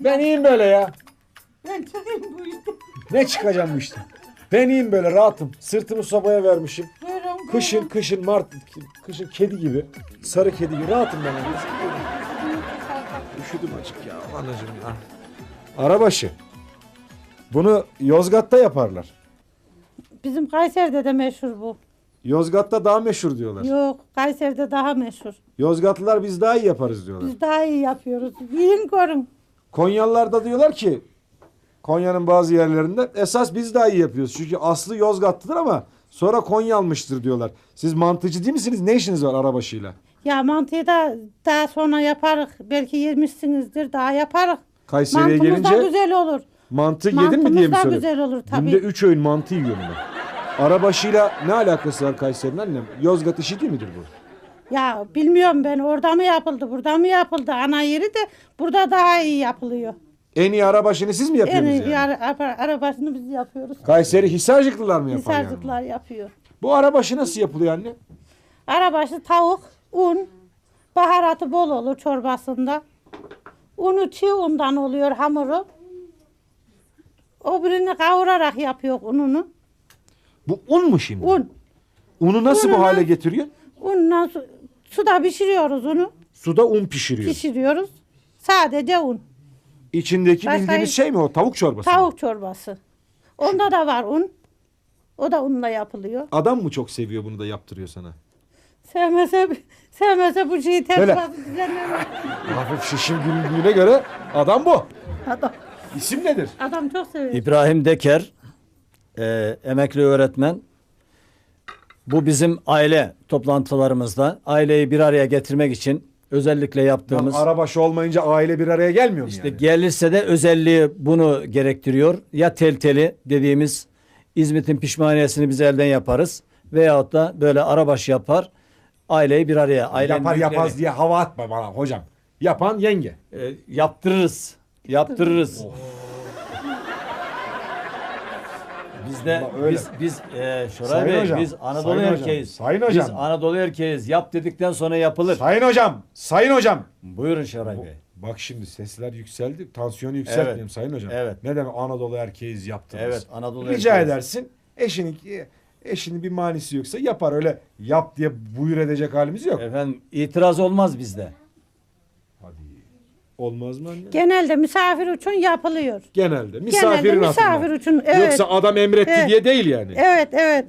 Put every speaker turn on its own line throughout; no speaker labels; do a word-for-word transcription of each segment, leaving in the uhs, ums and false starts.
Ben iyiyim böyle ya.
Ben çıkayım bu işte.
Ne çıkacağım bu işte. Ben iyiyim böyle rahatım. Sırtımı sobaya vermişim.
Buyurun.
Kışın kışın mart kışın kedi gibi. Sarı kedi gibi rahatım ben. Üşüdüm açık ya anacığım ya. Arabaşı. Bunu Yozgat'ta yaparlar.
Bizim Kayseri'de de meşhur bu.
Yozgat'ta daha meşhur diyorlar.
Yok, Kayseri'de daha meşhur.
Yozgatlılar biz daha iyi yaparız diyorlar.
Biz daha iyi yapıyoruz. Yiyin görün.
Konyalılar da diyorlar ki Konya'nın bazı yerlerinde esas biz daha iyi yapıyoruz. Çünkü aslı Yozgatlıdır ama sonra Konya almıştır diyorlar. Siz mantıcı değil misiniz? Ne işiniz var arabaşıyla?
Ya mantıyı da daha sonra yaparız. Belki yemişsinizdir, daha yaparız.
Kayseri'ye
Mantımız da
gelince
güzel olur.
mantı yedin mi diye
Mantımız
mi
da
soruyor?
güzel olur tabii.
Günde üç öğün mantı yiyorum ben. Arabaşıyla ne alakası var Kayseri'nin annem? Yozgat işi değil midir bu?
Ya bilmiyorum ben orada mı yapıldı, burada mı yapıldı? Ana yeri de burada daha iyi yapılıyor.
En iyi arabaşını siz mi
En
yapıyorsunuz
iyi
yani?
ara- ara- arabasını biz yapıyoruz.
Kayseri Hisarcıklılar mı yapar yani?
Hisarcıklar yapıyor.
Bu arabaşı nasıl yapılıyor anne?
Arabaşı tavuk, un, baharatı bol olur çorbasında. Unu çiğ undan oluyor hamuru. O birini kavurarak yapıyor ununu.
Bu un mu şimdi?
Un.
Unu nasıl bu
Ununu-
hale getiriyor?
Unla su, suda pişiriyoruz onu.
Suda un pişiriyor.
Pişiriyoruz. Sadece un.
İçindeki
Başka
bildiğimiz
hiç-
şey mi o? Tavuk çorbası mı?
Tavuk çorbası. Onda da var un. O da unla yapılıyor.
Adam mı çok seviyor bunu da yaptırıyor sana?
Sevmese, sevmese bu şeyi
Böyle.
ters düzenlemez.
Hafif şişim güldüğüne göre adam bu.
Adam,
İsim nedir?
adam çok seviyor.
İbrahim Deker, e, emekli öğretmen. Bu bizim aile toplantılarımızda aileyi bir araya getirmek için özellikle yaptığımız,
Arabaşı olmayınca aile bir araya gelmiyor mu
işte
yani?
gelirse de özelliği bunu gerektiriyor. Ya telteli dediğimiz İzmit'in pişmaniyesini biz elden yaparız veyahut da böyle arabaşı yapar. Aileyi bir araya, ailenin
Yapar
büyükleri,
yapmaz diye hava atma bana hocam. Yapan yenge.
e, yaptırırız. Yaptırırız. Biz de
Allah öyle.
biz biz e, Şoray
Sayın
Bey
hocam,
biz Anadolu
sayın hocam,
erkeğiz.
sayın
Biz
hocam.
Anadolu erkeğiz. Yap dedikten sonra yapılır.
Sayın hocam, sayın hocam.
Buyurun Şoray Bey.
Bak şimdi sesler yükseldi. Tansiyonu yükseltmeyelim
Evet.
sayın hocam.
Evet.
Ne demek Anadolu erkeğiz yaptınız.
Evet, Anadolu
Rica
erkeğiz.
edersin. Eşinin eşinin bir manisi yoksa yapar, öyle yap diye buyur edecek halimiz yok.
Efendim itiraz olmaz bizde.
Hadi. Olmaz mı anne?
Genelde misafir için yapılıyor.
Genelde. Misafirin
Genelde
hatırına.
misafir için. Evet.
Yoksa adam emretti
Evet.
diye değil yani.
Evet, evet.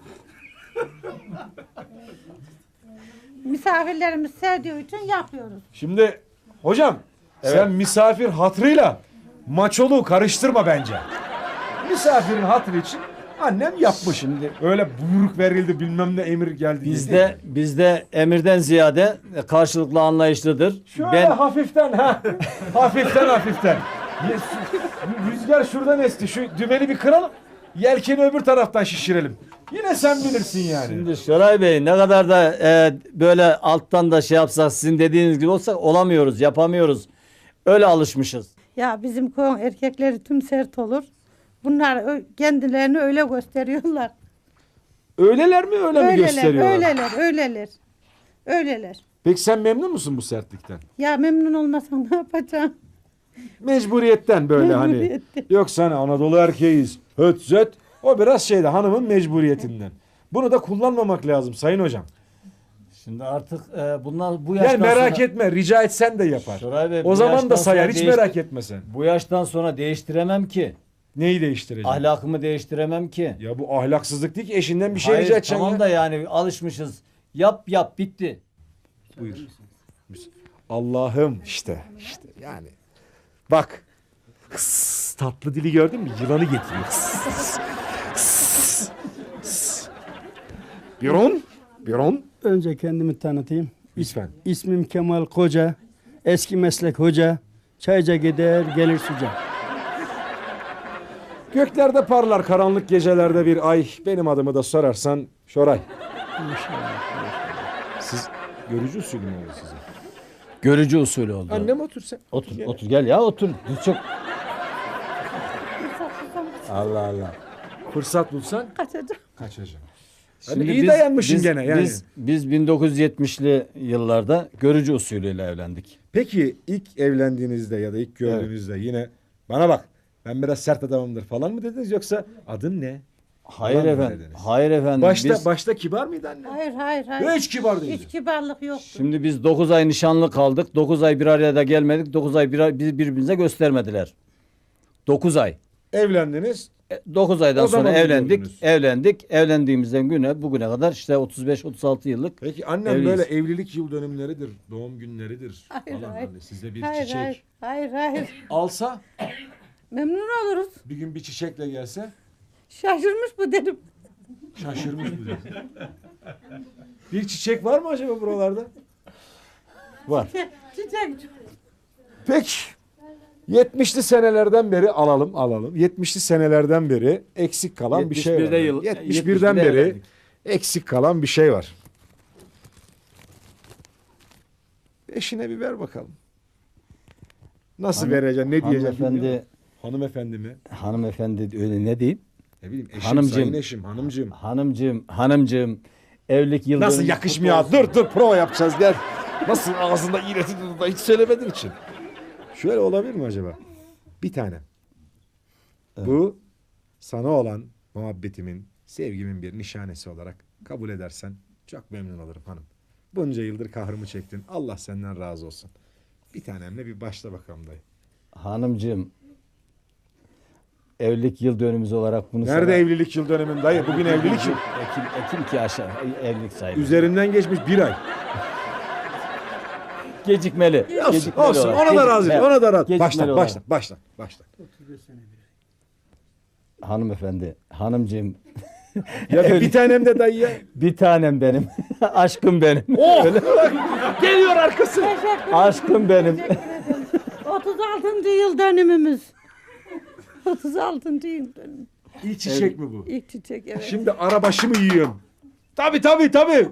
Misafirlerimiz sevdiği için yapıyoruz.
Şimdi hocam sen misafir hatrıyla maçoluğu karıştırma bence. Misafirin hatırı için annem yapmış. Şimdi öyle buyruk verildi bilmem ne emir geldi. diye
Bizde
değil.
bizde emirden ziyade karşılıklı anlayışlıdır.
Şöyle
Ben
hafiften ha. hafiften hafiften. Ye- su- Rüzgar şuradan esti. Şu dümeni bir kıralım. Yelkeni öbür taraftan şişirelim. Yine sen bilirsin yani.
Şimdi Şoray Bey ne kadar da e, böyle alttan da şey yapsak sizin dediğiniz gibi olsak olamıyoruz, yapamıyoruz. Öyle alışmışız.
Ya bizim koyun erkekleri tüm sert olur. Bunlar ö- kendilerini öyle gösteriyorlar.
Öyleler mi öyle mi
Öyleler,
gösteriyorlar?
öyleler, öyleler. Öyleler.
Peki sen memnun musun bu sertlikten?
Ya memnun olmasan ne yapacağım?
Mecburiyetten böyle hani.
Mecburiyetten.
Yoksa hani Anadolu erkeğiz. Höt zöt. O biraz şeyde hanımın mecburiyetinden. Bunu da kullanmamak lazım sayın hocam.
Şimdi artık e, bunlar bu
Yani
yaştan
merak
sonra,
etme, rica etsen de yapar.
Şoray Bey,
O
bu
zaman
yaştan
da sayar,
sonra
hiç
değişti-
merak etme sen.
bu yaştan sonra değiştiremem ki.
Neyi değiştireceğim?
Ahlakımı değiştiremem ki.
Ya bu ahlaksızlık değil ki, eşinden bir şey
Hayır,
rica edeceksin
tamam
ya.
da yani alışmışız. Yap yap bitti.
Buyur. Allah'ım işte, işte yani. Bak. Hıs, tatlı dili gördün mü? Yılanı getiriyor. Hıs, hıs, hıs. Biron, Biron.
Önce kendimi tanıtayım.
Lütfen.
İsmim Kemal Koca. Eski meslek hoca. Çayca gider gelir suca.
Göklerde parlar karanlık gecelerde bir ay. Benim adımı da sorarsan Şoray. Siz görücü usulü mü oldu size?
Görücü usulü oldu.
Annem otur sen.
Otur,
Gel.
otur gel ya otur. Biz çok Allah Allah.
Fırsat bulsan
Kaçacağım.
kaçacağım. Hadi iyi dayanmışsın
biz,
gene yani.
Biz, biz bin dokuz yüz yetmişli yıllarda görücü usulüyle evlendik.
Peki ilk evlendiğinizde ya da ilk gördüğünüzde yine bana bak ben biraz sert adamımdır falan mı dediniz yoksa adın ne?
Hayır
Falan mı
efendim.
dediniz?
Hayır efendim.
Başta
biz,
başta kibar mıydı anne?
Hayır hayır hayır.
Hiç kibar değildi.
Hiç kibarlık yoktu.
Şimdi biz dokuz ay nişanlı kaldık. dokuz ay bir araya da gelmedik. dokuz ay bir, bizi birbirimize göstermediler. dokuz ay.
Evlendiniz.
dokuz aydan
O
sonra
zaman
evlendik.
gördünüz.
Evlendik. Evlendiğimizden güne bugüne kadar işte otuz beş otuz altı yıllık.
Peki annem
Evliyiz.
böyle evlilik yıl dönümleridir, doğum günleridir
Hayır,
falan
hayır.
hani size bir
Hayır
çiçek
hayır. Hayır hayır.
alsa
Memnun oluruz.
bir gün bir çiçekle gelse
Şaşırmış bu dedim.
şaşırmış mı diyorsun? Bir çiçek var mı acaba buralarda? Var.
Çiçek.
Peki. yetmişli senelerden beri alalım alalım. yetmişli senelerden beri eksik kalan bir şey var.
yetmiş birde yıl-
yetmiş birden
yetmiş birde
beri
evlendik.
eksik kalan bir şey var. Eşine bir ver bakalım. Nasıl
Hanım-
vereceksin? Ne diyeceksin?
Hanımefendi,
Hanımefendi mi?
hanımefendi öyle ne diyeyim?
Ne bileyim eşim,
Hanımcığım.
sayın eşim, hanımcığım.
Hanımcığım, hanımcığım evlilik yıl
Nasıl
dönümü
yakışmıyor?
kutlu olsun.
Dur dur prova yapacağız gel. Nasıl ağzında iğreti da hiç söylemediğin için. Şöyle olabilir mi acaba? Bir tane. Bu sana olan muhabbetimin, sevgimin bir nişanesi olarak kabul edersen çok memnun olurum hanım. Bunca yıldır kahrımı çektin. Allah senden razı olsun. Bir tanemle bir başla bakalım dayı.
Hanımcığım evlilik yıl dönümümüz olarak bunu
Nerede
sana-
evlilik yıl dönümün dayı? Bugün evlilik yıl.
Ekim, Ekim ki aşağı evlilik sayılır.
Üzerinden geçmiş bir ay.
Gecikmeli.
Olsun,
Gecikmeli
olsun.
olarak.
Ona da razıyım.
Gecikmeli-
Ona da razıyım.
gecikmeli
Başla,
olarak.
başla, başla, başla.
Hanımefendi, hanımcığım
Ya bir tanem de dayı ya.
bir tanem benim. Aşkım benim.
Oh! Geliyor arkası.
Aşkım benim.
otuz altıncı yıl dönümümüz. otuz altıncı yıl dönümü.
İlk çiçek mi bu?
İlk çiçek evet.
Şimdi arabaşı mı yiyorum? Tabii tabii tabii.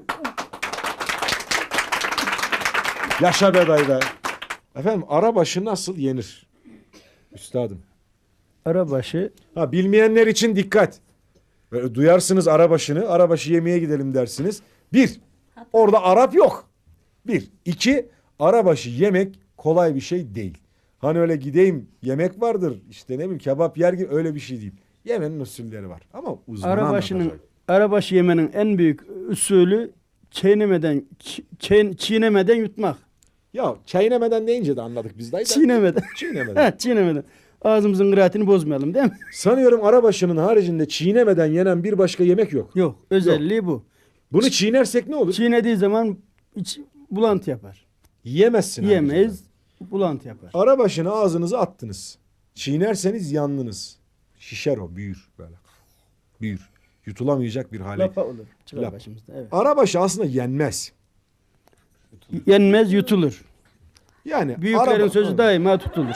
Yaşa be dayı be. Efendim arabaşı nasıl yenir? Üstadım.
Arabaşı
Ha bilmeyenler için dikkat. Böyle duyarsınız arabaşını, arabaşı yemeye gidelim dersiniz. Bir, orada Arap yok. Bir. İki, arabaşı yemek kolay bir şey değil. Hani öyle gideyim yemek vardır işte ne bileyim kebap yer gibi öyle bir şey değil. Yemenin usulleri var ama uzman
arabaşının
anlatacak.
arabaşı yemenin en büyük usulü çiğnemeden çi- çiğ- çiğnemeden yutmak.
Ya çiğnemeden deyince de anladık biz dayı da.
Çiğnemeden.
Çiğnemeden.
Ha, çiğnemeden. Ağzımızın kıraatini bozmayalım değil mi?
Sanıyorum arabaşının haricinde çiğnemeden yenen bir başka yemek yok.
Yok. Özelliği bu.
Bunu çiğnersek ne olur?
Çiğnediği zaman iç, bulantı yapar.
Yiyemezsin.
Yiyemeyiz. Bulantı yapar.
Arabaşını ağzınıza attınız. Çiğnerseniz yandınız. Şişer o büyür böyle. Büyür. Yutulamayacak bir hale.
Lapa olur. Çıkar
Lap.
başımızda. Evet.
Arabaşı aslında yenmez.
Yenmez yutulur.
Yani
Büyüklerin
araba-
sözü daima tutulur.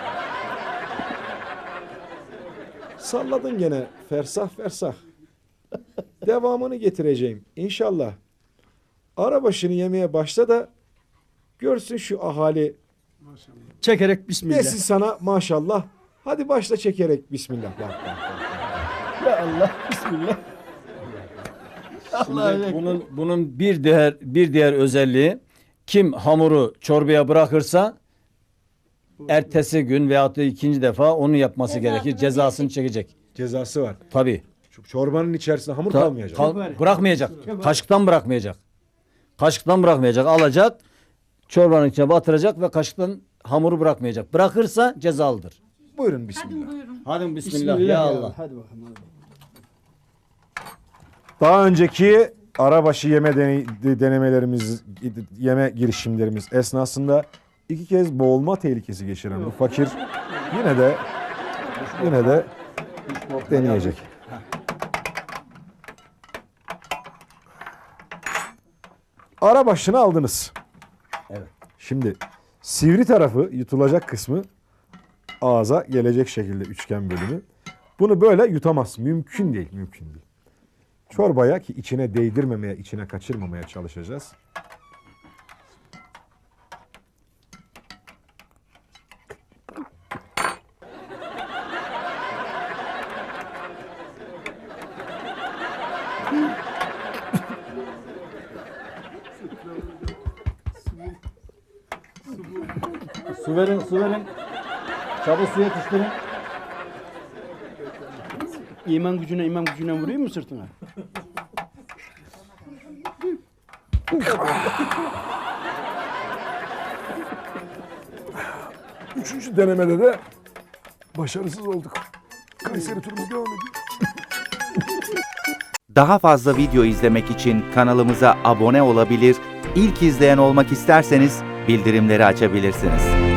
Salladın gene fersah fersah. Devamını getireceğim inşallah. Arabaşını yemeye başla da görsün şu ahali.
Çekerek bismillah.
Desin sana maşallah. Hadi başla çekerek bismillah. Bak, bak, bak.
Ya Allah bismillah. Allah
Şimdi bunun bunun bir diğer bir diğer özelliği kim hamuru çorbaya bırakırsa ertesi gün veyahut da ikinci defa onu yapması
Cezasını
gerekir. Cezasını çekecek.
Cezası var.
Tabii.
Şu çorbanın içerisinde hamur
Ta-
kalmayacak.
kal- bırakmayacak. Kaşıktan bırakmayacak. Kaşıktan bırakmayacak. Alacak, çorbanın içine batıracak ve kaşıktan hamuru bırakmayacak. Bırakırsa cezalıdır.
Buyurun bismillah.
Hadi bismillah, ya Allah.
Hadi bakalım. Hadi.
Daha önceki arabaşı yeme deney- denemelerimiz, yeme girişimlerimiz esnasında iki kez boğulma tehlikesi geçiren bu fakir yine de yine de deneyecek. Arabaşını aldınız.
Evet.
Şimdi sivri tarafı yutulacak kısmı ağza gelecek şekilde üçgen bölümü. Bunu böyle yutamaz. Mümkün değil, mümkün değil. Çorbaya ki içine değdirmemeye, içine kaçırmamaya çalışacağız.
verin, su verin. Çabuk su yetiştirin.
İman gücüne iman gücüne vurayım mı sırtına?
Üçüncü denemede de başarısız olduk. Kayseri turumuz devam ediyor.
Daha fazla video izlemek için kanalımıza abone olabilir, ilk izleyen olmak isterseniz bildirimleri açabilirsiniz.